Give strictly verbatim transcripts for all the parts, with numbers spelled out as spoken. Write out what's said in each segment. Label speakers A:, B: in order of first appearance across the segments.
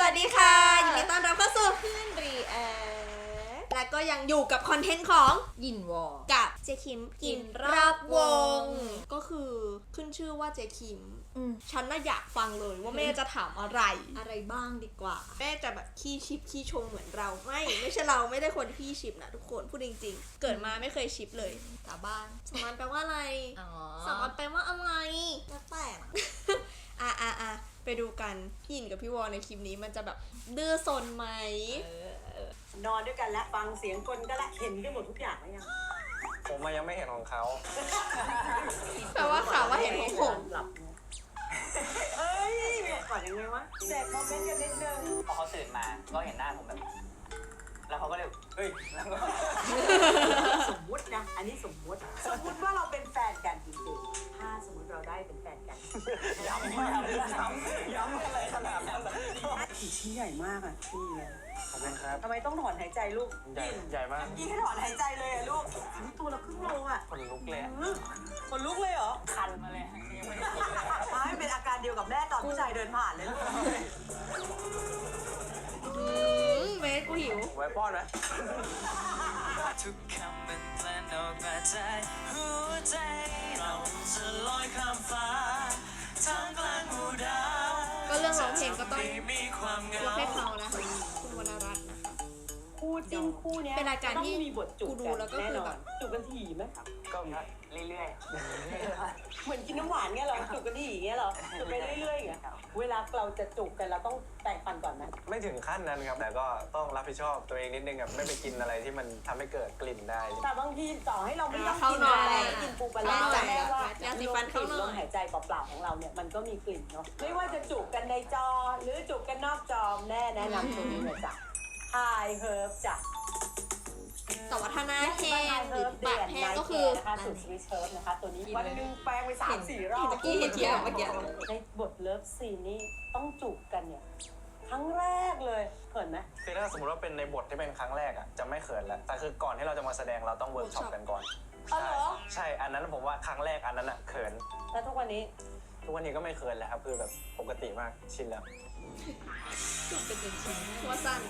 A: วัสดีค่ะยินดีต้อนรับเข้าสู่เพื่อนรีแอคและก็ยังอยู่กับคอนเทนต์ของยินวอกับเจคิมกินรอบวงก็คือขึ้นชื่อว่าเจคิมฉันน่าอยากฟังเลยว่าแม่จะถามอะไรอะไรบ้างดีกว่าแม่จะแบบขี้ชิปขี้ชงเหมือนเราไม่ไม่ใช่เราไม่ได้คนขี้ชิปนะทุกคนพูดจริงๆเกิดมาไม่เคยชิปเลยสาบานสาบานแปลว่าอะไรสาบานแปลว่าอะไรแล้วแต่อ่ะอ่ะอ่ะไปดูกันพี่หยินกับพี่วอในคลิปนี้มันจะแบบดื้อซนไหม
B: นอนด้วยกันแล้วฟังเสียงกลก็ละเห็นกันหมดทุกอย่างแล้วยัง
C: ผมมายังไม่เห็นของเขา
A: แปลว่าข่าวว่าเห็นของผม
B: หลับเอ้ยก่อนยังไงวะแจกคอมเมนต์กันนิดนึง
D: พอเขาตื่นมาก็เห็นหน้าผมแบบแล้วเขาก็เลยเฮ้ยแล้วก็
B: สมมุตินะอันนี้สมมุติสมมุติว่าเราเป็นแฟนกันจริงๆถ้าสมมติเราได้เป็นแฟนกัน
D: ย้ำย้ำย้ำย้ำอะไรขนาดนั้นเลย
B: ผีชิ้นใหญ่มากอ่ะพี่
C: ขอบคุณครับ
B: ทำไมต้องถอนหายใจลูก
C: ใหญ่ใหญ่มาก
B: ยี่ให้ถอนหายใจเลยอะลูกตัวละครึ่งโลอ่ะ
C: ขนลุกเลย
B: ขนลุกเลยเหรอ
D: คันมาเลยยังไม่ได้กินเลย
B: ไม่เป็นอาการเดียวกับแม่ตอนผู้ชายเดินผ่านเลย
A: เมสกูหิว
C: ไว้ป้อนไหม
D: ทุกคำเป็นแปลนออกมาจากหัวใจเราจะลอยข้ามฟ้าทางกลางหมู่ดาว
A: ก็เรื่องร้องเพลงก็ต้อง
D: มีความเงาย
A: กให้เขานะคุณวรรณรัตน์นะคะ
B: คู่จิ้นคู่เนี้ย
A: เป็นรายการที่
B: มีบทจุกกันแน่นอนจุกกันถี่ไหม
D: ก็เรื่อย
B: ๆเหมือนกินน้ำหวานเงี้ยเหรอจุกกันถี่เงี้ยเหรอจุกไปเรื่อยๆอย่างเงี้ยเวลาเราจะจุกกันเราต้องแต่งฟันก่อนนะ
C: ไม่ถึงขั้นนั้นครับแต่ก็ต้องรับผิดชอบตัวเองนิดนึงครับไม่ไปกินอะไรที่มันทำให้เกิดกลิ่นได้
B: แต่บางทีต่อให้เราไม่ต้องกินอะไรกินปูปลาร้าแต่ว่ายาสีฟันเข้าลมหายใจเปล่าๆของเราเนี่ยมันก็มีกลิ่นเนาะไม่ว่าจะจุกกันในจอหรือจุกกันนอกจอแน่แนะนำตัวนี้เลยจ้ะไฮเฮิร์บจ้ะ
A: สวัสนาแห้งหรือปากแห้งก็คือ
B: นะคะสูตรสวิชเฮิร์บนะคะตัวนี้วันนึงแปลงไปสามสี่รอบ
A: เมื่อกี้เห็นเทียบเมื่อกี้
B: ในบทเลิฟซีนนี่ต้องจูบกันเนี่ยครั้งแรกเลยเขินไหม
C: คือถ้าสมมติว่าเป็นในบทที่เป็นครั้งแรกอ่ะจะไม่เขินแล้วแต่คือก่อนที่เราจะมาแสดงเราต้องเวิร์กช็อปกันก่อน
B: อ๋อเหรอ
C: ใช่อันนั้นผมว่าครั้งแรกอันนั้นอ่ะเขิน
B: แล้วทุกวันนี้
C: ทุกวันนี้ก็ไม่เขินแล้วครับคือแบบปกติมากชินแล้ว
A: จุดเป็นจริงๆว่าสั้น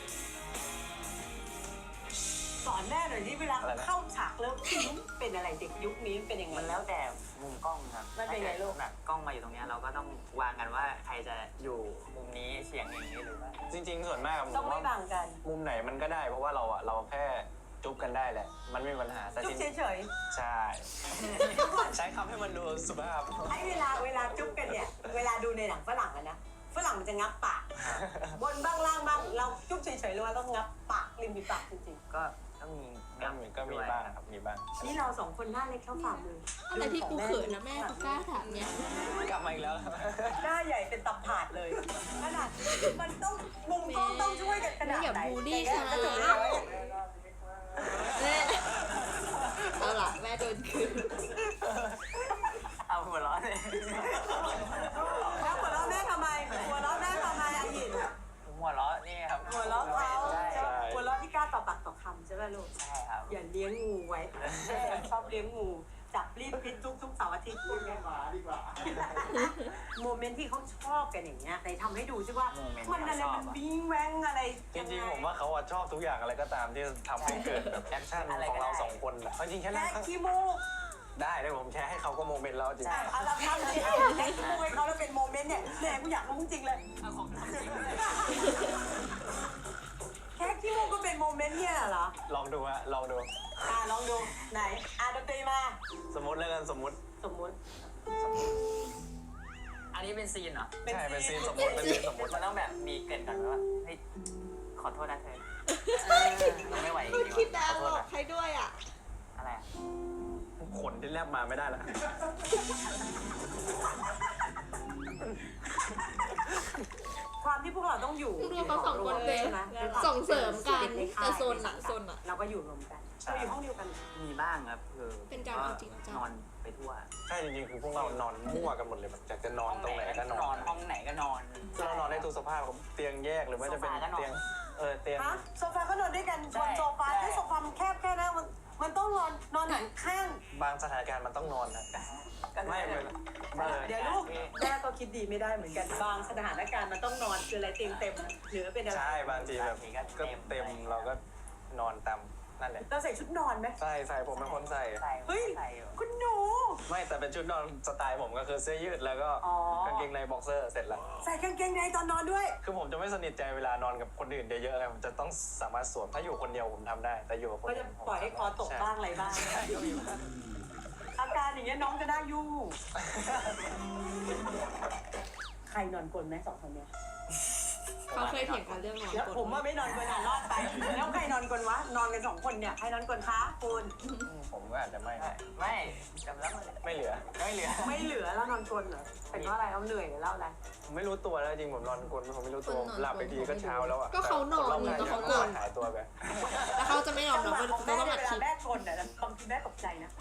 B: สอนแม่หน่อยที่เวลาเข้าฉากแล้วเป็นอะไรเด็กยุคนี้เป็นยังไง
D: มันแล้วแต่มุมกล้องครับ
B: มันเป็นไงลูก
D: แบบกล้องมาอยู่ตรงนี้เราก็ต้องวางกันว่าใครจะอยู่มุมนี้เฉียงอย่างนี้หรือว่า
C: จริงๆส่วนมาก
B: ต้องไม่บังกัน
C: มุมไหนมันก็ได้เพราะว่าเราอ่ะเราแค่จุ๊บกันได้แหละมันไม่มีปัญหาแต่
B: จุ๊บเฉย
C: ๆใช่ใช้คำให้มันดูสุภาพ
B: ไอ้เวลาเวลาจุ๊บกันเนี่ยเวลาดูในหนังฝรั่งอะนะฝรั่งมันจะงับปากบนบ้างล่างบ้างเราจุ๊บเฉยๆเลยว่าต้องงับปากริมฝีปากจริง
D: ๆก็ต้องมี
C: ก็มีก็มีบ้างครับมีบ้าง
B: นี่เราสองคนหน้าเล็กเท่าฝ่ามือ
A: อะไรที่กูเขินนะแม่กูกล้าถามเนี่ย
C: กลับมาอีกแล้ว
B: หน้าใหญ่เป็นตับผาดเลยขนาดมันต้องมุมกล้องต้องช่วยกันขนาดไหน
A: อย่าบูลลี่ค่ะเอาล่ะแม่โดนคืน
D: เอาหัวร้อนเลย
B: แล้วหัวร้อนแม่ทำไมหัวร้อนแม่ทำไมอายิน
D: หัวร้อนนี่ครับ
B: หัวร้อนเขาหัวร้อนที่กล้าต่อปากต่อคำใช่ไหมลูก
D: ใช่ครับ
B: อย่าเลี้ยงงูไว้ชอบเลี้ยงงูจับรีบพิษทุกทุกเสาร์อาทิตย์
C: แม่หมาดีกว่า
B: โมเมนต์ที่เขาชอบกันอย่างเงี้ยในทำให้ดูใช่ว่ามันอะไรมันวิ่งแว้งอะไร
C: จริงๆผมว่าเขาชอบทุกอย่างอะไรก็ตามที่ทำให้เกิดแบบแอคชั่นของเราสองคนอะจริงแค่นั้น
B: ขี้มูก
C: ได้เลยผมแชร์ให้เขาก็โมเมนต์แล้วจริง
B: ๆเอาละครับที่เอาแค่ขี้มูกให้เขาแล้วเป็นโมเมนต์เนี่ยแม่กูอยากรู้จริงเลย
D: เอาของจริง
B: แค่ขี้มูกก็เป็นโมเมนต์เนี่ยเหรอ
C: ลองดูฮะลองดู
B: อ่าลองดูไหนอ่าดนตรีมา
C: สมมติแล้วกันสมมติ
B: สมมติ
D: อันนี้เป็นซีนเหรอ
C: ใช่เป็นซีนสมมติเป็นซีนสมมติ
D: มันต้องแบบมีเกินก่อนว่าเฮ้ยขอโทษนะเธอเราไม่ไหวจริงๆ
A: คิดดาวบอกใครด้วยอ่ะ
D: อะไรอ่ะ
C: ขนที่แลบมาไม่ได้ละ
B: ความที่พวกเราต้องอยู่
A: รวมเขาสองคนเป็นส่งเสริมกันแต่โซนหนังโซนอ่ะ
B: เราก็อยู่รวมกันเราอยู่ห้องเดียวกัน
D: มีบ้างครับคือ
A: เป็นการเอาจริง
D: นอนไปทั่ว
C: ใช่จริงๆคือพวกเรานอนมั่วกันหมดเลยแบบอยากจะนอนตรงไหนก็นอน
D: ห้องไหนก็นอน
C: เรานอนได้ทุกสภาพเตียงแยกหรือว่าจะเป็นเตียงเออเตียง
B: โซฟาก็นอนด้วยกันบนโซฟาแค่โซฟามันแคบแค่นั้นมันมันต้องนอนนอนหันข้าง
C: บางสถานการณ์มันต้องนอนนะไม่เป็นเออ
B: เดี๋ยวลูกแม่ก็คิดดีไม่ได้เหมือนกันบางสถานการณ์มันต้องนอนคืออะไรเตียงเต็มหรือเป็นอะไร
C: ใช่บางทีแบบก็เต็มเราก็นอนตามนั่นแหละ
B: เราใส่ชุดนอนไหม
C: ใส่ใส่ผมเป็นคนใส่
B: เฮ้ยคุณหนู
C: ไม่แต่เป็นชุดนอนสไตล์ผมก็คือเสื้อยืดแล้วก็
B: อ๋อ
C: กางเกงในบ็อกเซอร์เสร็จแล้ว
B: ใส่กางเกงในตอนนอนด้วย
C: คือผมจะไม่สนิทใจเวลานอนกับคนอื่นเยอะๆไงผมจะต้องสามารถสวมถ้าอยู่คนเดียวผมทำได้ แต่อยู่กับคน
B: ก็
C: อื่
B: จะ
C: นผม
B: ปล่อยให้คอตกบ้างอะไรบ้าง
C: ใช่ก็มีบ้าง
B: อาการอย่างเงี้ยน้องจะน่ายุ่งใครนอนกลนไหมสองคนเนี้ย
A: เขาเคยเถียงกันเรื่องนอน
B: แล้ว
A: กล
B: ผมว่าไม่นอนกลนอ่ะรอดไปแล้วใครนอนกลนวะนอนกันสองคนเนี่ยใครนอนกลนคะคุณ
C: ผมก็อาจจะไม่
D: ไม่จำแล้วมัน
C: ไม่เหลือ
D: ไม่เหลือ
B: ไม่เหลือแล้วนอนกลนเหรอเป็นเพราะอะไรเอาเหนื่อยหรือเล่าอะไร
C: ผมไม่รู้ตัวแล้วจริงผมนอนกลนผมไม่รู้ตัวหลับไปทีก็เช้าแล้วอ่ะ
A: ก็เขานอน
C: แต่
A: นี่
C: ค
A: ก็
C: ร
A: เขา
C: อบ
A: กล
C: ข้าง
A: น
C: หายตัวไป
A: แล้วเขาจะไม่ยอม
B: จั
A: รับ
B: งหวะ
A: ว่า
B: ของ
A: เขา
B: แม่
A: ต้อง
B: เนี่ย
A: อัด
B: เวลา
A: คลิป
B: แม่กลนเนี่ยบางทีแม่ตกใจนะ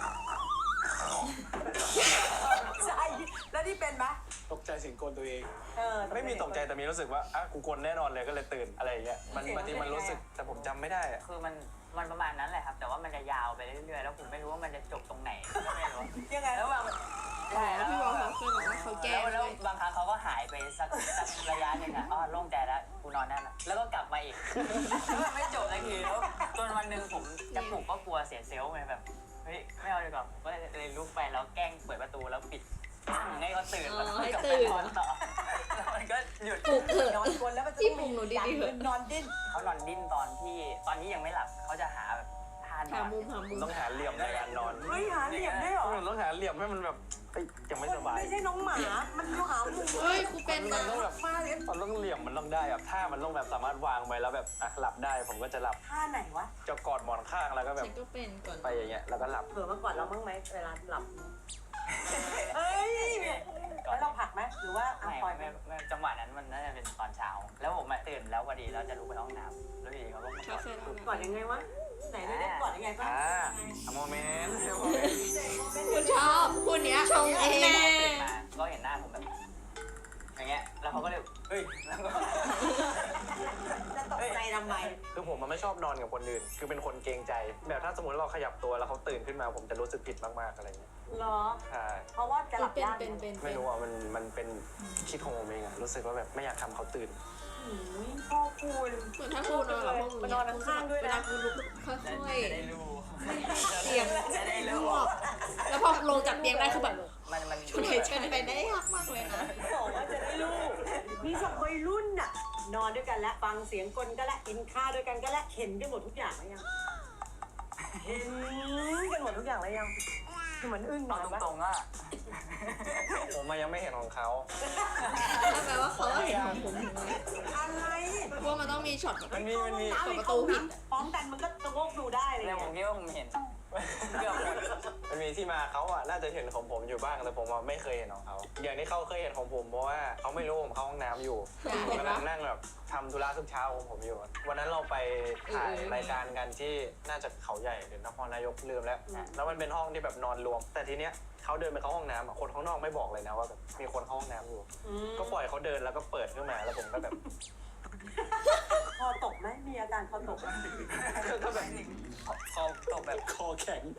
B: ใช่แล้วที่เป็นปะ
C: ตกใจเสียงกลตัวเอง
B: เออ
C: ไม่มีตกใจแต่มีรู้สึกว่าอ่ะกูกลแน่นอนเลยก็เลยตื่นอะไรอย่างเงี้ยมันบางทีมันรู้สึกแต่ผมจำไม่ได้อะ
D: คือมันมันประมาณนั้นแหละครับ แต่ว่ามันจะยาวไปเรื่อยๆแล้วผมไม่รู้ว่ามันจะจบตรงไหนก็ไม่รู้
B: ยังไง
D: แล้วบาง
A: อ๋อพี่วอลเขาเคยบอกว่าเขาแก้
D: แล้ว
A: เล
D: แล้ว
A: ย
D: บางครั้งเขาก็หายไปสักสักระยะหนึ่งอ่ะอ๋อโล่งใจแล้วกูนอนได้แล้วแล้วก็กลับมาอีกไม่จบสักทีแล้วจนวันหนึ่งผมจะปลุกก็กลัวเสียเซลล์ไงแบบเฮ้ยไม่เอาดีกว่าผมก็เลยลุกไปแล้วแกล้งเปิดประตูแล้วปิดให้เขาตื่นแล้วก็กลับไปนอนต่อแล้วมันก็หยุด
A: ปลุกเถอะ
B: นอนกลนแล้วมันจะ
A: พี่ปลุกหนูดีๆเถอะ
B: นอนดิ้น
D: เขานอนดิ้นตอนที่ตอนที่ยังไม่หลับเขาจะหาแบบท่านอ
A: หาน มุมหามุม
C: ต้องหาเหลี่ยมในการนอน
B: เฮ้ยหาเหลี่ยมได้เหรอ
C: ต้องหาเหลี่ยมให้มันแบบเอ้ยยังไม่สบาย
B: ไม่ใช่น้องหมา มันอยู่หามุม
A: เฮ้ยกูเป็น
C: มั
A: นะ
C: นต้องแบบ
B: มาเลย
C: มันต้องเหลี่ยมมันต้องได้แบบถ้ามันต้องแบบสามารถวางไปแล้วแบบอ่ะหลับได้ผมก็จะหลับ
B: ท่าไหนวะ
C: จะกอดหมอนข้างแล้วก็แบบ
A: ฉันก็เป็นก่อน
C: ไปอย่างเงี้ยแล้วก็หลับ
B: เผื่อมาก่อนเราบ้างไหมเวลาหลับเฮ้ยแล้วเราผลักไหมหรือว่าอ่ะ
D: ไม่
B: ปล่อยไป
D: ไม่ไม่จังหวะนั้นมันน่าจะเป็นตอนเช้า แล้วผมอะตื่นแล้วพอดีแล้วจะลุกไปห้องน้ำแล้วอยู่ดีเขาก็มา
A: เขาเคยเล่า
B: ก่อนยังไงวะไหนได้ได้ก่อนยังไงบ้าง
C: อ่าโมเมนต์
A: คุณชอบคุณเนี้ยชงเองแน่
D: ตื่นมาก็เห็นหน้าผมแบบอย่างเงี้ยแล้วเขาก็เลยเฮ้ยแล้วก็
B: จะตกใจทำไม
C: คือผมมันไม่ชอบนอนกับคนอื่น คือเป็นคนเกรงใจ แบบถ้าสมมติเราขยับตัวแล้วเขาตื่นขึ้นมาผมจะรู้สึกผิดมากๆอะไรเงี้ย
B: เหรอ
C: ใช่
B: เพราะว่าจะหลับ
A: เป็น
B: ยาก
A: เป็นเป็น
C: ไม่รู้อ่ะมันมันเป็นคิดของผมเองอะรู้สึกว่าแบบไม่อยากทำเขาตื่น
B: หืมพ่อคุณ
A: เหมือนถ้ากูนอนกับพวกมึง
B: มานอนข้างๆด้วยนะ
A: เวลากูลุกค่อย
D: จะได้รู้
A: ๆเตียง
D: จะได้
A: ร
D: รู้
A: วบแล้วพอลงจากเตียงได้คือแบบ
D: มันมัน
A: ช่วยเชิญไปได้ยากมากเลยนะ
B: บอกว่าจะได้ลูกมีสองวัยรุ่นน่ะ นอนด้วยกันแล้วฟังเสียงกลก็แล้วกินข้าวด้วยกันก็แล้วเห็นกันหมดทุกอย่างแล้วยังเห็นกันหมดทุกอย่างแล้วยังคือเหมือนอึ้งหน่
D: เอา
B: อยปะ
D: ตรงๆอ่ะ
C: ผมมายังไม่เห็นของเขา
A: นั่นแปลว่าเขาก็เห็นของผมถึงไหม
B: อะไร
A: ว่ามันต้องมีช็อตแบบ
C: มันมีมันมี
A: เปิดประตูผิด
B: พร้อมกันมันก็จะโงกดูได้เลย
D: แล้วผมคิดว่าผมเห็นเกือบหมด
C: มันมีที่มาเขาอ่ะน่าจะเห็นของผมอยู่บ้างแต่ผมอะไม่เคยเห็นของเขาอย่างที่เขาเคยเห็นของผมเพราะว่าเขาไม่รู้ผมเข้าห้องน้ำอยู่
A: เห็น
C: กำ
A: ปะ
C: ลังนั่งแบบทำธุระทุกเช้าของผมอยู่ วันนั้นเราไปถ่าย
A: เออ
C: รายการกันที่น่าจะเขาใหญ่หรือนครนายกลืมแล้ว แล้วมันเป็นห้องที่แบบนอนรวม แต่ทีเนี้ยเขาเดินไปเข้าห้องน้ำอะคนข้างนอกไม่บอกเลยนะว่าแบบมีคนเข้าห้องน้ำอยู่
B: อืม
C: ก็ปล่อยเขาเดินแล้วก็เปิดขึ้นมาแล้วผมก็แบบ
B: คอตกไหมมีอาการคอตกไหม
C: ก็แบบ
D: คอตกแบบ
C: คอแข็ง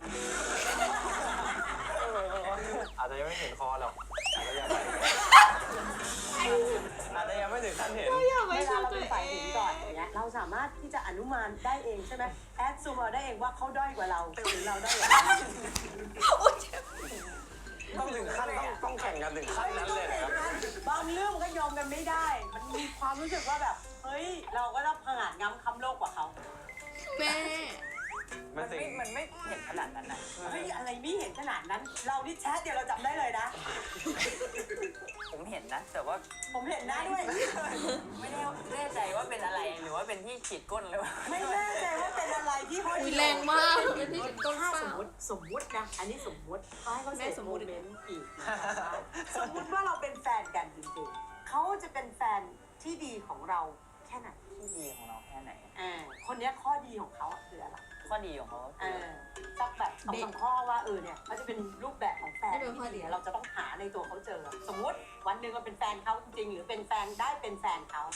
C: อาจจะยังไม่เห็นคอหรอกอาจจะยังไม่อาจจะยังไม่ถึงขั้นเห็น
A: อยากไม่
B: เว
A: ช่
B: ลา
A: วย
B: เรา
A: ตัว
B: เป็น
A: เอ
B: ฝ่ายหญิง
A: ง
B: ก่อนอย่างเงี้ยเราสามารถที่จะอนุมานได้เองใช่ไหมแอดซูมเอาได้เองว่าเขาด้อยกว่าเราหรือเราด้อยกว่าเขา
C: ต้องถึงขั้นต้องต้องแข่งกันถึงขั้นนั้นเลยนะครับ
B: บางเรื่องมันก็ยอมกันไม่ได้ มันมีความรู้สึกว่าแบบเฮ้ยเราก็ต้องผงาดง้ำคำโลกกว่าเขา
A: แม่
C: มั
D: มัน น
C: ถึง
D: ไม่มันไม่เห็นขนาดนั้นนะ
B: เฮ้ยอะไรไม่เห็นขนาดนั้น เรานี่แชทเดียวเราจับได้เลยนะ
D: ผมเห็นนะ แต่ว่า
B: ผมเห็นหน้าด้วย
D: ไม่แน่แน่ใจว่าเป็นอะไรหรือว่าเป็นที่ขีดก้นหรือเปล่า
B: ไม่แน่ใจว่าเป็นอะไรที่ห้อย
A: อุ้ยแรงมากเป็นพี่ต้น
B: ถ้า
A: เปล่า
B: สมมติสมมุตินะ อันนี้สมมุติเขาให้เขา
A: แม่
B: เส
A: ส
B: ส
A: ม
B: ม
A: มุ
B: มุ
A: ติ
B: ติเมนต์อีกนะคะสมมุติว่าเราเป็นแฟนกันจริงๆเขาจะเป็นแฟนที่ดีของเราแค่ไหน
D: ที่ดีของเราแค่ไหน
B: อ่าคนเนี้ยข้อดีของเขาคืออะไร
D: ข้อดีของเขา
B: เอ
D: คือ
B: อสักแบบสองสามข้อว่าเออเนี่ยเขาจะเป็นรูปแบบของแฟนที่ดีเราจะต้องหาในตัวเขาเจอ สมมุติวันหนึ่งเราเป็นแฟนเขาจริงๆหรือเป็นแฟนได้เป็นแฟนเขา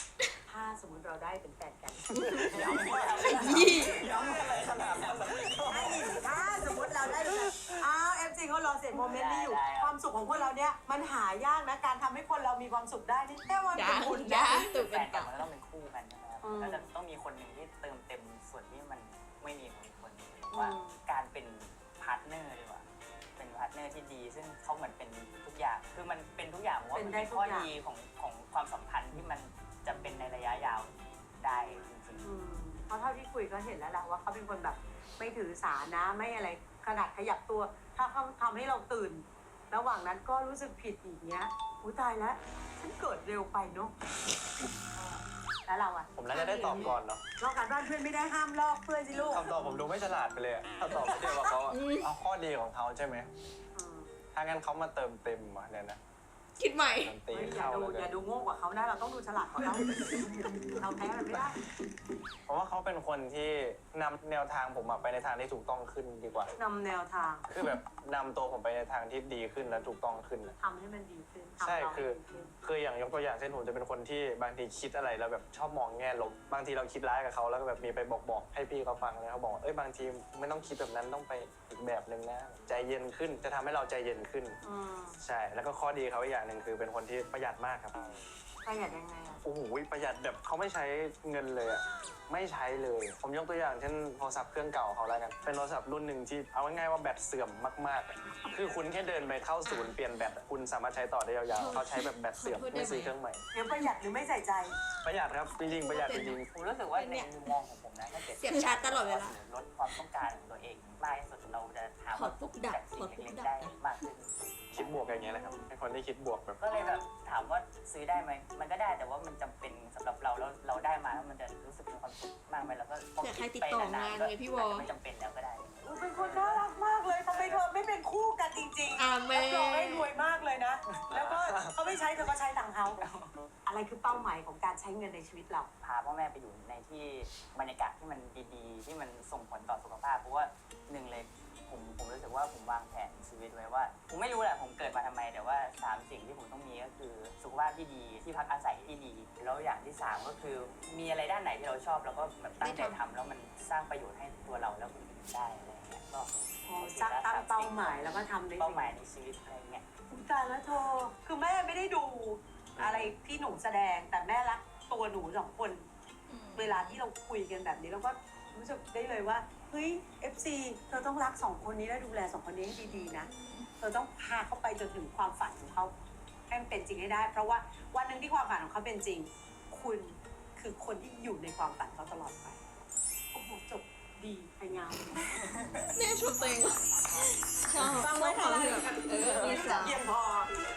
B: ถ้าสมมติเราได้เป็นแฟนกัน
A: ยี่
C: ย้ำอะไรขนาดนั้น
B: ถ้าสมมติเราได้เป็นอ้าวเอฟซีเขารอเสร็จโมเมนต์นี้อยู่ ความสุขของพวกเราเนี่ยมันหายากนะการทำให้คนเรามีความสุขได้นี่แค่วัน
A: ยา
B: เป็นบุญ
A: ยา
B: นะ
A: ตุก
D: แฟ
A: เป็น
D: นกั
A: ต่
D: น
A: อ
D: มันก็ต้องเป็นคู่กันใช่ไหมครับ
B: อืม
D: ก็จะต้องมีคนหนึ่งที่เติมเต็มส่วนที่มันไม่มีของอีกคนหนึ่งหรือว่าการเป็นพาร์ทเนอร์ดีกว่าเป็นพาร์ทเนอร์ที่ดี ซึ่งเขาเหมือนเป็นทุกอย่างคือมันเป็นทุกอย่างผมว่ามันเป็นข้อดีของของความสัมพันธ์ที่มันจะเป็นในระยะยาวได้จริง
B: อืมเพราะเท่าที่คุยก็เห็นแล้วแหละว่าเขาเป็นคนแบบไม่ถือสานะไม่อะไรขนาดขยับตัว ถ้าเขาทำให้เราตื่น ระหว่างนั้นก็รู้สึกผิดอีกเนี้ยอุ้ยตายแล้วฉันเกิดเร็วไปเนาะแล้วเราอะ
C: ผมน่าจะได้ตอบก่อนเนาะ
B: ลอกการบ้านเพื่อนไม่ได้ห้ามลอกเพื่อนสิลูก
C: คำตอบผมดูไม่ฉลาดไปเลยอะถ้าตอบไม่เดียวกับเขาอะเอาข้อดีของเขาใช่ไหม
B: อืม
C: ถ้างั้นเขามาเติมเต็มอ่ะเนี่ยนะ
A: คิดใหม่
C: เติมเต็ม
B: เฮ้ยอย่า
C: เข้า
B: ดู
C: เลย
B: อย่าดูโง่กว่าเขานะเราต้องดูฉลาดกว่าเขาเราแพ้มันไม่ได้
C: เพราะว่าเขาเป็นคนที่นำแนวทางผมอะไปในทางที่ถูกต้องขึ้นดีกว่า
B: นำแนวทาง
C: คือแบบนำตัวผมไปในทางที่ดีขึ้นและถูกต้องขึ้นอะ
B: ทำให้มันดีขึ้นทำ
C: ใช่
B: เรา
C: คือ
B: ให้ดีขึ้น
C: คืออย่างยกตัวอย่างเช่นผมจะเป็นคนที่บางทีคิดอะไรแล้วแบบชอบมองแง่ลบบางทีเราคิดร้ายกับเขาแล้วก็แบบมีไปบอกบอกให้พี่เขาฟังเลยเขาบอกว่าเอ้ยบางทีไม่ต้องคิดแบบนั้นต้องไปอีกแบบหนึ่งนะใจเย็นขึ้นจะทำให้เราใจเย็นขึ้น
B: อืม
C: ใช่แล้วก็ข้อดีเขาอีกอย่างหนึ่งคือเป็นคนที่ประหยัดมากครับ
B: ประหยัดยังไงอะ
C: โอ้โหประหยัดแบบเขาไม่ใช้เงินเลยอะไม่ใช้เลย ผมยกตัวอย่างเช่นโทรศัพท์เครื่องเก่าเขาแล้วกันเป็นโทรศัพท์รุ่นหนึ่งที่เอาง่ายๆว่าแบตเสื่อมมากๆอะคือคุณแค่เดินไปเข้าศูนย์เปลี่ยนแบตอะคุณสามารถใช้ต่อได้ยาวๆเขาใช้แบบแบตเสื่อมไม่ซื้อเครื่องใหม่
B: เดี๋ยวประหยัดหรือไม่ใส่ใจ
C: ประหยัดครับจริงๆประหยัดจริง
D: ๆผมรู้สึกว่าในมุมมองของผมนะถ้าเกิด
A: เสียบชาร์จตลอดเวลา
D: ลดความต้องการของตัวเองมากที่สุดเราจะหาความสุขจากสิ่งเล็กๆได้มากขึ้น
C: ๆคิดบวกอย่างเงี้ยนะครับเป็นคนที่คิดบวกแบบ
D: ก็เลยแบบถามว่าซื้อได้ไหมมันก็ได้แต่ว่ามันจำเป็นสำหรับเราแล้วเราได้มาแล้วมันจะรู้สึกมีความสุขมากไหมแล้วก็พอ
A: อยากให้
D: คิ
A: ติดต่องาน
D: ไปๆก็
A: ไงพี่วอ
D: อาจจะไม่จำเป็นแล้วก็ได้
B: เป็นคนน่ารักมากเลยทำไมเธอไม่เป็นคู่กันจริงๆ
A: อาเม
B: รับรองได้รวยมากเลยนะ แล้วก็เขาไม่ใช้เธอก็ใช้ตังค์เขา อะไรคือเป้าหมายของการใช้เงินในชีวิตเรา
D: พาพ่อแม่ไปอยู่ในที่บรรยากาศที่มันดีๆ ที่มันส่งผลต่อสุขภาพเพราะว่าหนึ่งเลยผมผมรู้สึกว่าผมวางแผนชีวิตไว้ว่าผมไม่รู้แหละผมเกิดมาทำไมแต่ว่าสามสิ่งที่ผมต้องมีก็คือสุขภาพที่ดีที่พักอาศัยที่ดีแล้วอย่างที่สามก็คือมีอะไรด้านไหนที่เราชอบแล้วก็แบบตั้งใจทำแล้วมันสร้างประโยชน์ให้ตัวเราแล้วคนอื่นได้อะไรอย่างเงี้ยก็
B: สร้างตั้งเป้าหมายแล้วก็ทำใน
D: เป้า
B: สิ่ง
D: หมายในชีวิตอะไรเงี้ย
B: คุณการแล้วเธอ คือแม่ไม่ได้ดูอะไรที่หนูแสดง แต่แม่รักตัวหนูสองคน เวลาที่เราคุยกันแบบนี้เราก็รู้สึกได้เลยว่า เฮ้ย เอฟ ซี เธอต้องรักสองคนนี้และดูแลสองคนนี้ให้ดีๆนะ เธอต้องพาเขาไปจนถึงความฝันของเขาให้มันเป็นจริงให้ได้ เพราะว่าวันหนึ่งที่ความฝันของเขาเป็นจริง คุณคือคนที่อยู่ในความฝันเขาตลอดไป โอ้โหจบดีไพงาม
A: แม่ชมตัวเองชอบ
B: ฟังไว้
A: ช
B: ทำ
A: อบ
B: ไม
A: แบบเออมีสาว
B: เยี่ยมพอ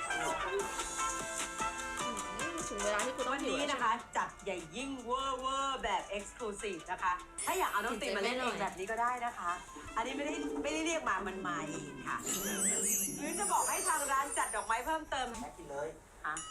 A: ถึงเวลาที่คุณต้อ
B: วั
A: ง
B: น
A: หิว
B: นี้
A: แล้ว
B: นะคะ จัดใหญ่ยิ่งเวอร์เวอร์แบบ Exclusive นะคะ ถ้าอยากเอาน้องติมมาเล่นเองแบบนี้ก็ได้นะคะ อันนี้ไม่ได้ไม่ได้เรียกมามันมาเองค่ะ หรือจะบอกให้ทางร้านจัดดอกไม้เพิ่มเติม
D: แม่กินเลย
B: ฮะ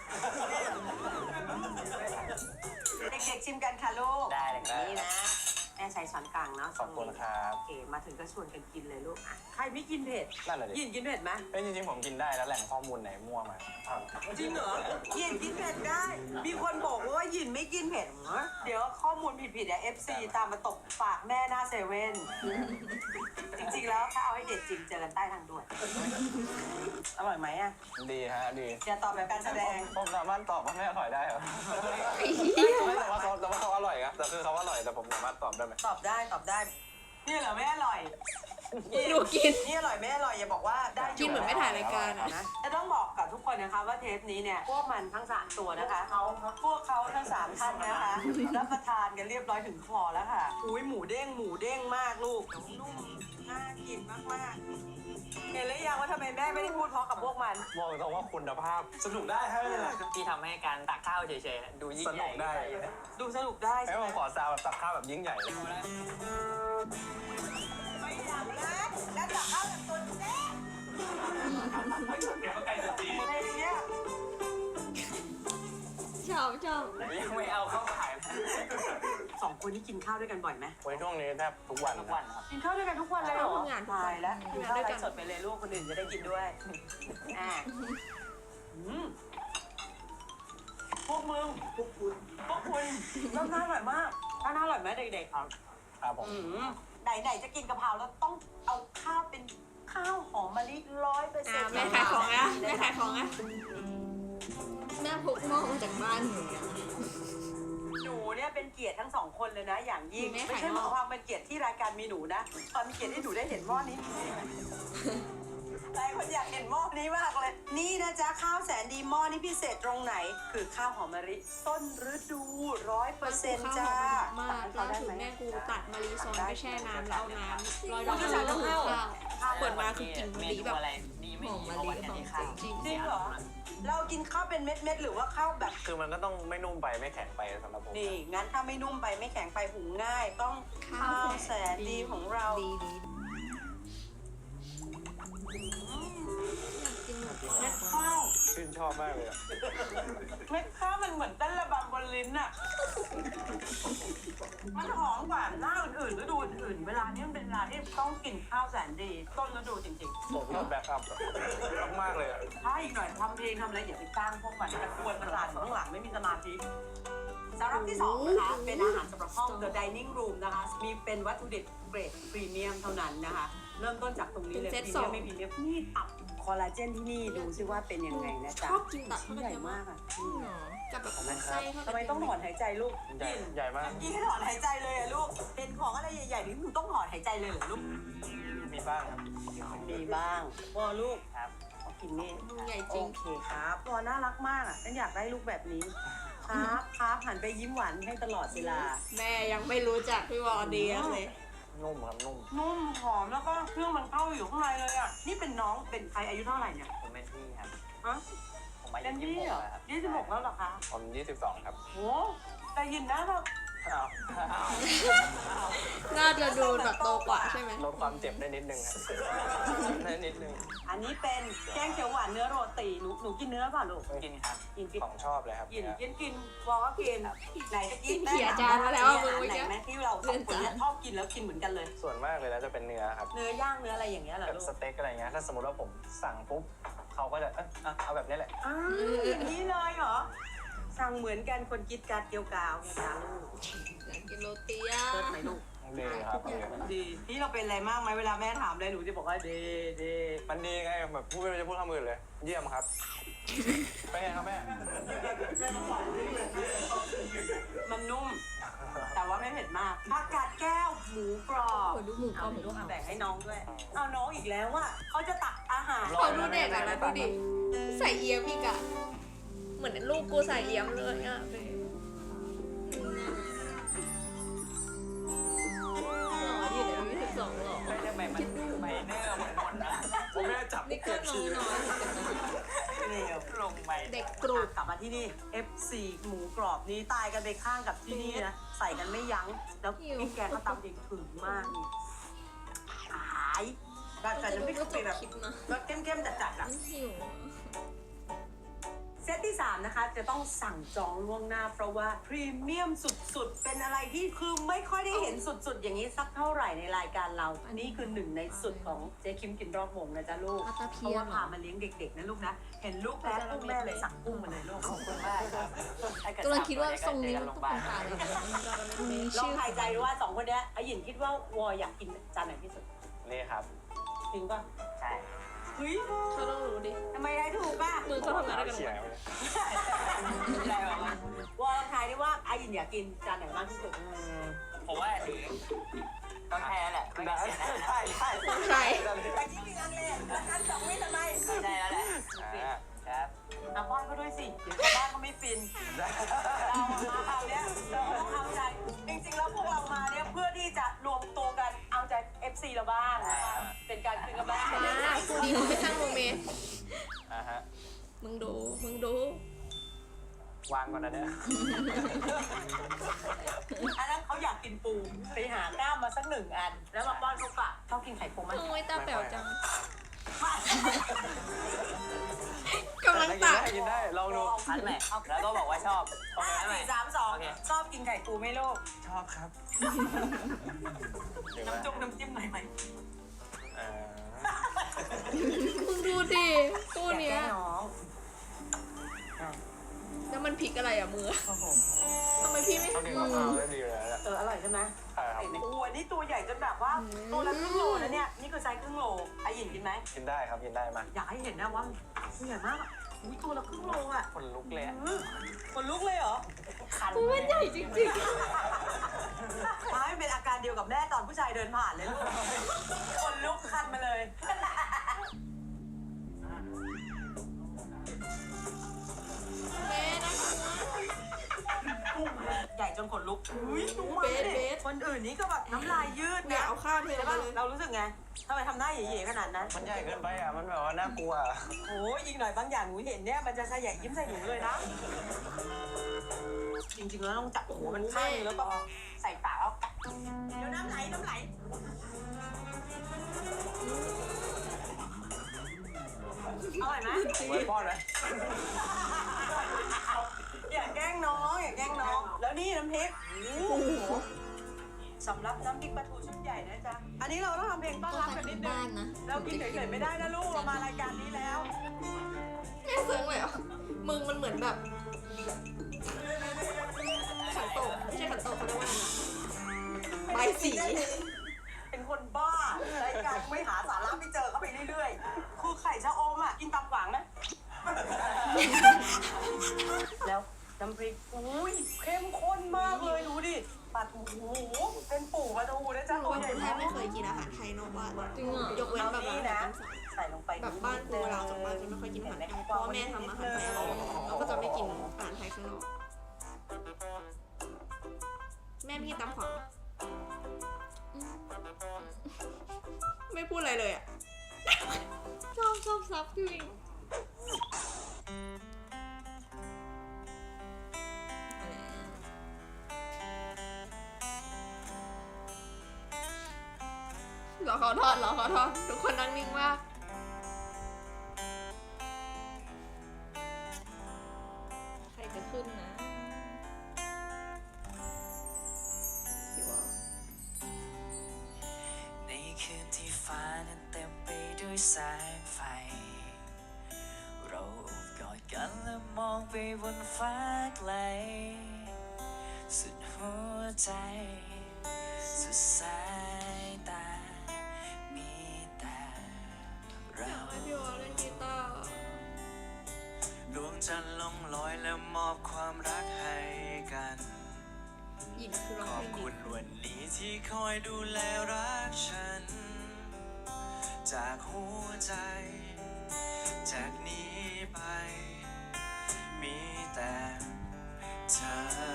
B: เด็กๆชิมกันค่ะลูก
D: ได้เลยครับ
B: นี่นะ แม่ใช้ช้อนกลางเนาะ
C: ขอบคุณครับ
B: โอเค มาถึงก็ชวนกันกินเลยลูกอ่ะใครไม่กินเผ็ด
C: นั่นแหละดิ
B: ยินกินเผ็ดไหม
C: เอ้ยจริงๆผมกินได้แล้วแหล่งข้อมูลไหนมั่วมาอ้าว
B: จริงเหรอยินกินเผ็ดได้ มีคนบอกว่ายินไม่กินเผ็ดเหรอเดี๋ยวข้อมูลผิดๆอะ เอฟ ซี ตามมาตกปากแม่หน้าเซเว่น จริงๆแล้วถ้าเอาให้เด็ดจริงเจอกันใต้ทางด่วน อร่อยไหมอะ
C: ดีฮะดี
B: อย่าตอบแบบการแสดง
C: ผมสามารถตอบว่าไม่อร่อยได้เหรอไม่แต่ว่าเขาแต่ว่าเขาอร่อยครับแต่คือเขาอร่อยแต่ผมสามารถตอบได้ไหม
B: ตอบได้ตอบได้ นี่เหรอไม่อร่อย
A: ดูกิน
B: นี่อร่อยไม่อร่อยอย่าบอกว่าได้ยู่
A: กินเหมือนไม่ถ่ายรายการอะ
B: นะจะต้องบอกกับทุกคนนะคะว่าเทปนี้เนี่ยพวกมันทั้งสามตัวนะคะพวกเขาทั้งสามท่านนะคะรับประทานกันเรียบร้อยถึงคอแล้วค่ะอุ้ยหมูเด้งหมูเด้งมากลูกนุ่มน่ากินมากๆเห็นหรือยังว่าทำไมแม่ไม่ได้พูดเพราะกับพวกมัน
C: บอกตรงว่าคุณภาพสนุกได้ฮะ
D: ที่ทำให้การตักข้าวเฉยๆดูยิ่ง
C: ส
D: ให
C: นุ
D: ญ่
C: กได้
B: ดูสนุกได้
C: ไอ้
B: ใช่ไห
C: ผม มขอซาวแบบตักข้าวแบบยิ่งใหญ่เลย
B: ไม่อยากนะแล้วตักข้าวแบบตัวแซ่บอะไรเนี้ย
A: ชอบชอบ
D: ยังไม่เอาเข้าขาย
B: สองคนนี้กินข้าวด้วยกันบ่อยไหม
C: วันช่วงนี้แทบทุกวัน
D: ทุก
C: นะ
D: วันครับ
B: กินข้าวด้วยกันทุกวันเลยเหรอ
A: ทำงานทุก
B: ตา
A: วัน
B: ยแล้วกิน
A: ทำงาน
B: ข้าว
A: ด้วย
B: ไล
A: กัน
B: ฟ์สดไปเลยลูกคนอื่นจะได้กินด้วยอ่าอืมพวกมึงพวกคุณพวกคุณข้าวหน้าอร่อยมากข้าวหน้าอร่อยไหมเด็กๆครับ
C: ครับผม
B: ไหนๆจะกินกะเพราแล้วต้องเอาข้าวเป็นข้าวหอมมะลิร้อยเปอร์เซ็
A: อ่าน
B: ต์
A: แม่ขายของอะแม่ขายของอะแม่พกหม้อมาจากบ้านหนูเนี่ย
B: หนูเนี่ยเป็นเกียรติทั้งสองคนเลยนะ อย่างยิ่ง
A: แม่
B: ไม่
A: ขาย
B: ใช่
A: ห
B: ห
A: ม้อ
B: มายความเป็นเกียรติที่รายการมีหนูนะความเป็นเกียรติที่หนูได้เห็นหม้อนี้หลายคนอยากเห็นหม้อนี้มากเลย นี่นะจ๊ะข้าวแสนดีหม้อนี้พิเศษตรงไหน คือข้าวหอมมะลิต้นฤดูร้อยเปอร์เซ็นต์จ้า
A: ข้าวหอมมากล่าสุดแม่กูตัดมะลิซ้อนไปแช่น้ำแล้วเอาน้ำร้อยดอก
B: คุณจะสั่งข้าว
A: ข้าวเปิดมาคือกลิ่นมะลิแบบ
D: อะไรดีไม่
A: หอม
D: ดี
A: มะ
D: เพราะ
A: ลิ
D: วัน
A: หอ
D: นี้
A: ม
D: ข้าว
A: จริง
B: จริงเหรอ เรากินข้าวเป็นเม็ดๆหรือว่าข้าวแบบ
C: คือมันก็ต้องไม่นุ่มไปไม่แข็งไปสำหรับผม
B: นี่ งั้นถ้าไม่นุ่มไปไม่แข็งไปหุงง่าย ต้องข้าวแสนดีของเรา
A: ดีดี
B: เม็ดข้าว
C: ชื่นชอบมากเลยอะ
B: เม็ดข้าวมันเหมือนเต้นระบำบนลิ้นอะมันหอมกว่าหน้าอื่นๆฤดูอื่นๆเวลานี้มันเป็นเวลาที่ต้องกินข้าวแสนดี ต้นฤดูจริง
C: ผมก็แบ็คอัพอะมากๆเลยอะ
B: ๆ ถ้าอีกหน่อยทำเพลงทำอะไรอย่าไปจ้างพวกมันจะกวนประสาทอยู่ข้างหลังไม่มีสมาธิสำหรับที่สองนะคะเป็นอาหารสำหรับห้อง The Dining Room นะคะ มีเป็นวัตถุดิบเกรดพรีเมียมเท่านั้นนะคะ เริ่มต้นจากตรงนี้เลยพรีเมียมไม่พรีเมียมนี่ตับคอลลาเจนที่นี่ดูซิว่าเป็นยังไงนะ
A: ช
B: จ๊ะ
A: อบกินตับ
B: ชิ้นใหญ่มากอ่ะ
A: กับแบบไส้เขา
B: ทำไมต้องถอนหายใจลูก
C: ใหญ่ใหญ่มาก
B: กี้ให้ถอนหายใจเลยอะลูกเป็นของอะไรใหญ่ๆนี่มึงต้องถอนหายใจเลยเหรอลูก
C: มีบ้างครับ
B: มีบ้างพอลูก
D: ครับ
B: ขอกินนี่
A: มึงใหญ่จ
B: โอ
A: ริง
B: เคครับพอน่ารักมากอ่ะฉันอยากได้ลูกแบบนี้ครับครับหันไปยิ้มหวานให้ตลอดเวลา
A: แม่ยังไม่รู้จักพี่วอดีเลย
C: นุ่มครับนุ่ม
B: นุ่มหอมแล้วก็เครื่องมันเข้าอยู่ข้างในเลยอ่ะนี่เป็นน้องเป็นใครอายุเท่าไหร่เนี่ย
D: ผมเป็นพี่ครับ
B: ฮะ
D: ผมอา
B: เป็
D: ยุ
B: น
D: ยี่
B: พี่
D: สิบห
B: เหร
D: ก
B: อ
D: แล้วครับ
B: ยี่สิบหกแล้วเหรอคะ
C: ผมยี่สิบสองครับ
B: โอ้แต่ยินนะแบบ
C: อ้าว
A: น่าจะดูแบบโตกว่าใช่ไหม
C: ลดความเจ็บได้นิดนึงครับได้นิดนึง
B: อันนี้เป็นแกงเขียวหวานเนื้อโรตีหนูหนูกินเนื้อเปล่ะลูก
D: กินครับ
B: กินกิน
C: ของชอบเลยครับ
B: กิน
C: เนี่ย
B: กินกินวอลก็กินไหนจะกิน
A: เขี่ยจานมาแล้วอะมึง
B: ไห
A: เมื่อน กี้
B: ไหมที่เราสองคนเนี่ยชอบกินแล้วกินเหมือนกันเลย
C: ส่วนมากเลยแล้วจะเป็นเนื้อครับ
B: เนื้อย่างเนื้ออะไรอย่างเงี้ยเหรอ
C: แบบ
B: ลูก
C: สเต็กอะไรเงี้ย ถ้าสมมติว่าผมสั่งปุ๊บเขาก็จะเอยอ่ะเอาแบบนี้แหละ
B: อ้าวอย่างนี้เลยเหรอสั่งเหมือนกันคนคิดการเกี่ยวกาวไงจ้าลูก
A: อยากกินโรตีอ่ะ
B: เลิศไหมลูก
C: ดีครับดี
B: ดีพี่เราเป็นอะไรมากไหมเวลาแม่ถามอะไรหนูจะบอกว่าดีดี
C: มันดีไงแบบพูดไม่รู้จะพูดคำอื่นเลย เยี่ยมครับ เป็นไงครับแม่
B: มันนุ่ม แต่ว่าไม่เผ็ดมากผักกาดแก้วหมูกรอบ
A: โอ้ดูหมูกร
B: เอา
A: อบหมู
B: ลูก
A: กรอบ
B: แบ่งให้น้องด้วยเอาน้องอีกแล้วอ่ะเขาจะตักอาหาร
C: รอ
A: เขาดูเด็กอ่ะนะดูดิ ใส่เอี๊ยมอีกอ่ะ เหมือนลูกกูใส่เอี๊ยมเลยอ่ะหล่ออยู่ในอายุสิบสองหล่อ
D: ไม่ได้ไปมันไปเนื้อหมดหมดนะ
C: ผมแม่จับ
A: นี่ก็น้องน้อยเหมือนกันนะ
B: เร็ว
D: ลงไป
A: เด็กกรุบ
B: กลับมาที่นี่ เอฟ ซี หมูกรอบนี้ตายกันไปข้างกับที่นี่นะ ใส่กันไม่ยั้ง แล้วพี่แกก็ตำเองถึงมากนี่ขายแบบแต่น้ำพริกกะปิแบบ
A: คิดนะ
B: รสเข้มๆจัดๆอ่ะ
A: มันหิว
B: เซตที่สามนะคะจะต้องสั่งจองล่วงหน้าเพราะว่าพรีเมียมสุดๆ เป็นอะไรที่คือไม่ค่อยได้เห็นสุดๆ อย่างนี้สักเท่าไหร่ในรายการเรา อันนี้คือหนึ่งในสุดของเจ๊คิมกินรอบวงนะจ๊ะลูก
A: ปลาตะ
B: เพ
A: เพี
B: ราะ
A: ย
B: ว่าน พามาเลี้ยงเด็กๆนะลูกนะ เห็นลูกแพ้กุ้งแม่เลยสั่งกุ้งมาเลยลูกขอบคุณมากครับ
A: กำลังคิดว่าทรงนี้มันต้องเป็นตาเลยมี
B: ลอง
A: ชื่อ
B: ทายใจดูว่าสองคนเนี้ยไอ้หยินคิดว่าวออยากกินจานไหนที่สุด
C: นี่ครับ
B: จริงป่ะ
D: ใช่
B: เฮ้ย
A: เขาต้องรู้ดิ
B: ทำไมทายถูกป่ะ
A: มือเขาทำงานได้กัน
C: เฉีย
A: ห
C: ง
A: มด
B: อะไรวะวอลองทายดิว่าไอ้หยินอยากกินจานไหนมากที่สุด
D: ผมว่าถือต้องแพ้แหละไม่งั้นเสียหน้า
C: ใช่ใช่
A: ใช่
B: แต่ที่มีงานเลยแล้วกันสองวิทำไม
D: ใช่แล้วแหละ
C: อ่า
D: ครับ
B: เอาป้อนเขาด้วยสิเดี๋ยวชาวบ้านเขาไม่ฟิน เรามาคราวเนี้ยเราต้องเอาใจ จริงๆแล้วพวกเรามาเนี่ยเพื่อที่จะรวมตัวกันเอาใจ เอฟ ซี เราบ้างนะคะเป็นการคืนกำลังใจ
A: มาคู่นี้มึงไม่สร้างโมเมนต์
C: อ่าฮะ
A: มึงดู มึงดู
C: วางก่อนนะเนี่ย
B: อันนั้นเขาอยากกินปูไปหากล้ามมาสักหนึ่งอัน แล้วมาป้อนเขาปะชอบกินไข่ปูไหม
A: โอ้ยตาแป๋วจัง
B: ไม่
A: กำลัง
C: ได้
A: ตัก
C: กินได้กินได้ ลองดู
D: อันใหม่แล้วก็บอกว่าชอบโอ
B: ห้า
D: เคไหม
B: สี่สามสอง
D: โอเค
B: ชอบกินไข่ปูไหมลูก
C: ชอบครับเดี๋ยว
B: น้ำจุ่มน้ำจิ้มหน่อยไหม
C: อ่า
A: มึงดูดิคู่เนี้ย
B: แกล้งน้อง
A: แล้วมันพลิกอะไรอ่ะมือ
B: โอ้โห
A: ทำไมพี่ไม่
C: เขาดึงมะพร้าวได้ดีเลยนะ
B: เอออร่อยใช่ไหม
C: ใช่ครับ
B: โอ้โหอันนี้ตัวใหญ่จนแบบว่าตัวละครึ่งโลนะเนี่ยนี่คือไซส์ครึ่งโลไอหยินกินไหม
C: กินได้ครับกินได้มา
B: อยากให้เห็นนะว่าตัวใหญ่มากอะอุ้ยตัวละครึ่งโลอ่ะ
C: คนลุกเลยอะ
B: อื้อคนลุกเลยเหรอคัน
A: มันใหญ่จริง
B: ท้ายเป็นอาการเดียวกับแม่ตอนผู้ชายเดินผ่านเลยลูกคนลุกคันมาเลย
A: ๆแม่นะ
B: ใหญ่จนขนลุกอุ้ยดูมัน
A: เบส
B: ดิ
A: เบส
B: คนอื่นนี่ก็แบบน้ำลายยืด
A: เนี่ย
B: นะ
A: เอาข้าวเท
B: ใช่
A: มา
B: ป่ะ
A: เลย
B: เรารู้สึกไงทำไมทำหน้าเหย่ๆขนาดนั้น
C: มันใหญ่เกินไปอ่ะมันแบบว่าน่ากลัว
B: โอ้ยอีกหน่อยบางอย่างหนูเห็นเนี่ยมันจะขยะยิ้มใส่หนูเลยนะ จริงๆแล้วต้องจับหัวมันข้างนึงแล้วก็ใส่ปากแล้วกัดเดี๋ยวน้ำไหลน้ำไหลอร่อยไหม
C: ไว้ป้อนไหม
B: อย่าแกล้งน้องอย่าแกล้งน้อง แล้วนี่น้ำพริกโอ้โหสำหรับน้ำพริกปลาทูชุดใหญ่นะจ๊ะอันนี้เราต้องทำเพลงต้อนรับกันนิดนึงเรากินเฉยๆไม่ได้นะลูกเรามารายการนี้แล้ว
A: แม่เสิร์งเลยเหรอมึงมันเหมือนแบบขันโตกไม่ใช่ขันโตกเขาเรียกว่าอะไรนะใบสี
B: เป็นคนบ้ารายการไม่หาสาระไม่เจอเข้าไปเรื่อยๆ คือไข่ชะอมอ่ะ กินตำหวังนะ แล้วน้ำพริกอุ้ยเข้มข้นมากเลยดูดิปลาทูเป็นปู่ปลาทูนะจ๊ะ
A: รู้
B: ตัว
A: ว่า
B: ใหญ่
A: คนไท
B: มาย ก
A: ไม่เคยกินอาหารไทยนอกบ้านจริงเหรอยกเว้นแบบ
B: นี้
A: อาหา
B: นะ
A: รตามสั่ง
B: ใส่ลงไป
A: แบบบ้านกูเราจากบ้านจะไม่ค่อยกินอาหารไทยเพราะว่าแม่ทำอาหารไทยอร่อยเราก็จะไม่กินอาหารไทยข้างนอกแม่ไม่กินตำขวางไม่พูดอะไรเลยอ่ะชอบชอบซับจริงรอเขาทอดรอเขาทอดทุกคนนั่งนิ่งมากใครจะขึ้นนะพี่วอ
E: ในคืนที่ฟ้านั้นเต็มไปด้วยแสงไฟ เราโอบกอดกันและมองไปบนฟ้าไกล สุดหัวใจสุดสายตา มีแต่เรา
A: อยากให้พี่วอเล่นกีตาร์
E: ดวงจันทร์ลงลอยและมอบความรักให้กัน
A: หยินคือร้
E: ข
A: อง
E: อบ
A: เพลง
E: คุ
A: ดี
E: ณวันนี้ที่คอยดูแลรักฉัน จากหัวใจ จากนี้ไป มีแต่เธอ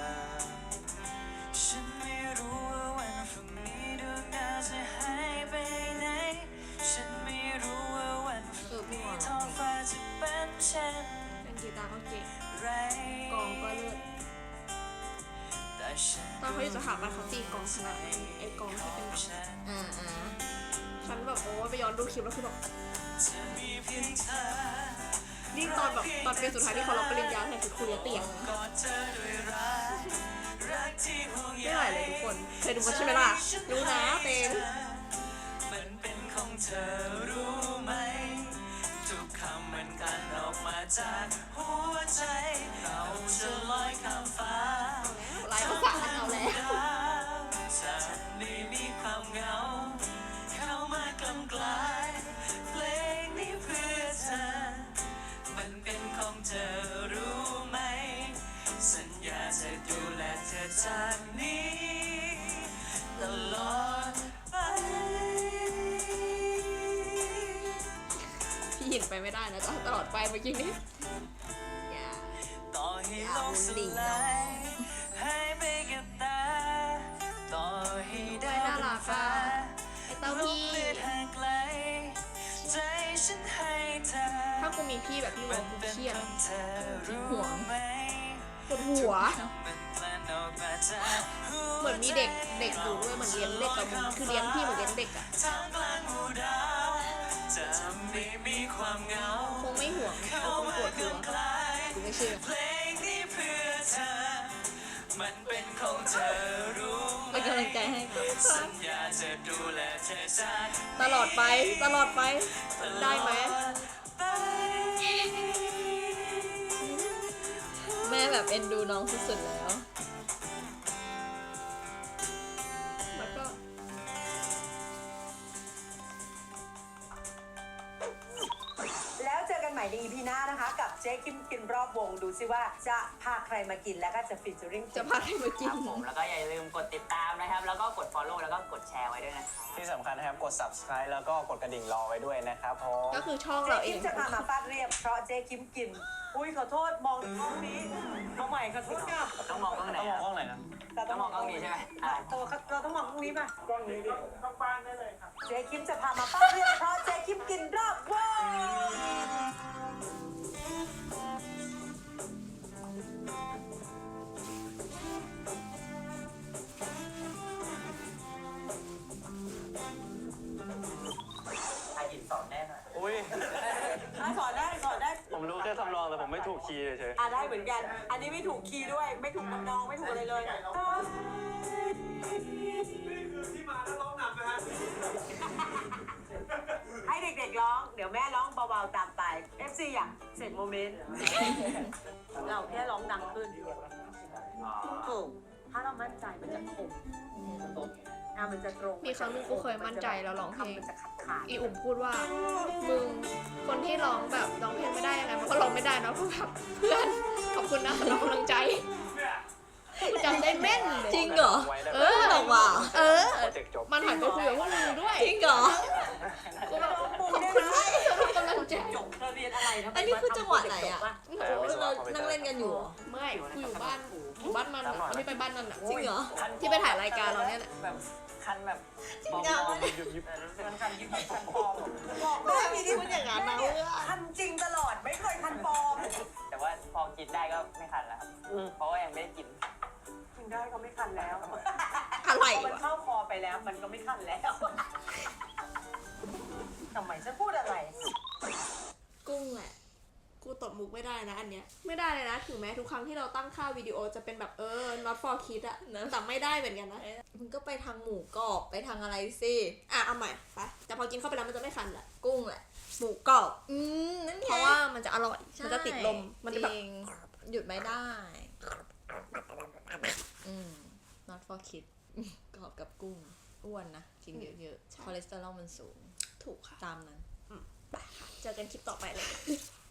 E: ฉันไม่รู้ว่าวันพรุ่งนี้ดวงดาวจะหายไปไหน ฉันไม่รู้ว่าวันพรุ่งนี้ท้องฟ้าจะเป็นเช่น
A: เล่นกีตาร์ก็เก่ง
E: ไร
A: กองก็เลิศ
E: แต่ฉัน
A: ตอนเขาอยู่สถาบันเขาตีกองขนาดนั้นไอ้กองที่เป็นแบบ
E: ฉัน
A: อ่าอ่าฉันแบบโอ้ไปย้อนดูคลิปแล้วคือแบบ
E: จะมีเพียงเธอ
A: นี่ตอนแบบตอนเป็นสุดท้ายที่เขารับปริญญาเนี่ยคือคุยเตียงนะ
E: กอดเธอด้วยรักรักที่ห่วงใย
A: ไม่ไหวเลยทุกคนเคยดูกันใช่ไหมล่ะรู้นะเต้น
E: มันเป็นของเธอรู้ไหม ทุกคำมันกลั่นออกมาจากหัวใจ เราจะลอยข้ามฟ้า
A: ลายภาษาเอาแล้ว
E: จะได้มีความเหงา เข้ามากลำกลายเพลงนี้เพื่อเธอ มันเป็นของเธอรู้ไหม สัญญาจะดูแลเธอจากนี้ตลอดไป
A: พี่หินไปไม่ได้นะจ๊ะตลอดไปเมื่อกี้นี้อย่า
E: ต่อให้โลกสลายหายไปกับตา ต่อให้ดาวบนฟ้า
A: ไอ้เต้าพี่
E: เลือดห่างไกล ใจฉันให้เธอ
A: ถ้ากูมีพี่แบบพี่ว
E: มั
A: อน กู
E: เป็น
A: เครียด
E: ของเธอรู้ไหม
A: ปวดหัว
E: มันกลั่นออกมาจากหัว
A: เหมือนมีเด็กเด็กอยู่ด้วยเหมือนเลี้ยงเด็กกับมึงคือเลี้ยงพี่เหมือนเลี้ยงเด็กอะ
E: ท่ามกลางหมู่ดาวจะไม่มีความเหงา
A: คงไม่ห่วง
E: เข้า
A: เขาคง
E: มา
A: ปวดหัว
E: กำไกล
A: กูไม่เชื่อ
E: เพลงนี้เพื่อเธอ มันเป็นของเธอรู้ไหม
A: เป็นกำลังใจให้ครับ
E: สัญญาจะดูแลเธอจาก
A: ตลอดไปตลอดไปได้ไหม
E: ไป
A: แม่แบบเอ็นดูน้องสุดๆแล้ว
B: เจ๊คิมกินรอบวงดูซิว่าจะพาใครมากินแล้วก็จะฟีเจอริ่ง
A: จะพาใครมากิ
D: คน รับผมแล้วก็อย่าลืมกดติดตามนะครับ แล้วก็กด follow แล้วก็กดแชร์ไว้ด้วยนะครับ
C: ที่สำคัญนะครับกด subscribe แล้วก็กดกระดิ่งรอไว้ด้วยนะครับผม
A: ก็คือช่อง
B: เจ๊
A: เราเอ
B: คิม
A: ง
B: จะพามาฟาดเรียบเพราะเจ๊คิมกิน อุ้ยขอโทษมองห้องนี้เอาใหม่ขอโทษค่ะ
D: ต้องมองกล้องไหน
C: ต้องมอง
D: อะ
C: ห้องไหนนะ
D: ต้องมองกล้องนี้ใช่ไหมอ่ะ
B: ตัวเราต้องมองห้องนี้ป่ะ
C: กล้องนี้ดิต้องบ้านได้เลยครับ
B: เจ๊คิมจะพามาฟาดเรียบเพราะเจ๊คิมกินรอบวง
D: ถ่ายหินสอนแน่หน่อย
C: อุ้ย
B: อ่ะสอนได้สอนได้
C: ผมรู้แค่ทำนองแต่ผมไม่ถูกคีย์เฉย
B: อ่ะได้เหมือนกัน อันนี้ไม่ถูกคีย์ด้วย ไม่ถูกทำนองไม่ถูกอะไรเลย ให้เด็กๆร้อง เดี๋ยวแม่ร้องเบาๆตามไป เอฟ ซี อยากเสร็จโมเมนต์ เราแค่ร้องดังขึ้นถูกถ้าเรามั่นใจมันจะคมอ่ะมันจะตรง
A: มีครั้งหนึงกูเคยมั่นใจแล้วร้องเพลง
B: คำมันจะขาดขาด
A: อีอุ่มพูดว่า มึง คนที่ร้องแบบร้องเพลงไม่ได้ยังไงมันก็ร้องไม่ได้เนอะเพราะแบบเพื่อนขอบคุณนะสำหรับกำลังใจกูจำได้แม่นเลย
F: จริงเหรอ
C: ไว้ได้
A: เออ
F: บอกว่า
A: เออ
C: โปรเจกต์จบ
A: มันหันไปคุยกับพวกมึงด้วย
F: จริงเหรอ
A: กูแบบขอบคุณมากสำหรับกำลังใจ
B: จบเธอเรียนอะไรทำไม
F: อันนี้คือจังหวะไหนอะ
B: จบป
A: โอ้โห
F: เรานั่งเล่นกันอยู่เหรอ
A: ไม่กูอยู่บ้านอยู่บ้านมันอะไม่ได้ไปบ้านนั่นอะ
F: จริงเหรอ
D: คัน
A: ที่ไปถ่ายรายการเราเนี่ยแหละ
D: แบบคันแบบ
F: จริงเหรอ
C: ยุบยุบ
D: แต่รู้สึกมันคันยิบยิบคันปลอม
B: บอก
F: ไม่
B: แม่
F: มี
B: มี
F: ที่
B: ที่
F: พูดอย่างนั้นนะเพื่อน
B: คันจริงตลอดไม่เคยคันปลอม
D: แต่ว่าพอกินได้ก็ไม่คันแล้วครับเพราะว่ายังไม่ได้กิน
B: กินได้ก็ไม่คันแล้ว
F: อะไร
B: พอมัน
F: วะ
B: เข้าคอไปแล้วมันก็ไม่คันแล้วทำไมฉันพูดอะไร
A: กุ้งแหละ กูตบมุกไม่ได้นะอันเนี้ย ไม่ได้เลยนะ ถึงแม้ทุกครั้งที่เราตั้งค่าวิดีโอจะเป็นแบบเออ not for kids อะแต่ไม่ได้เหมือนกันนะ
F: มึงก็ไปทางหมูกรอบไปทางอะไรสิ
A: อ่ะ เอาใหม่ไปแต่พอกินเข้าไปแล้วมันจะไม่คันแหละ
F: กุ้งแหละ
A: หมูกรอบ
F: อืมนั่นไง
A: เพราะว่ามันจะอร่อย มันจะติดลม มันจะแบบ
F: จริงหยุดไม่ได้ อืม not for kids กรอบกับกุ้ง อ้วนนะ กินเยอะๆ คอเลสเตอรอลมันสูง
A: ถูกค่ะ
F: ตามนั้น
A: ไปค่ะ เจอกันคลิปต่อไปเลย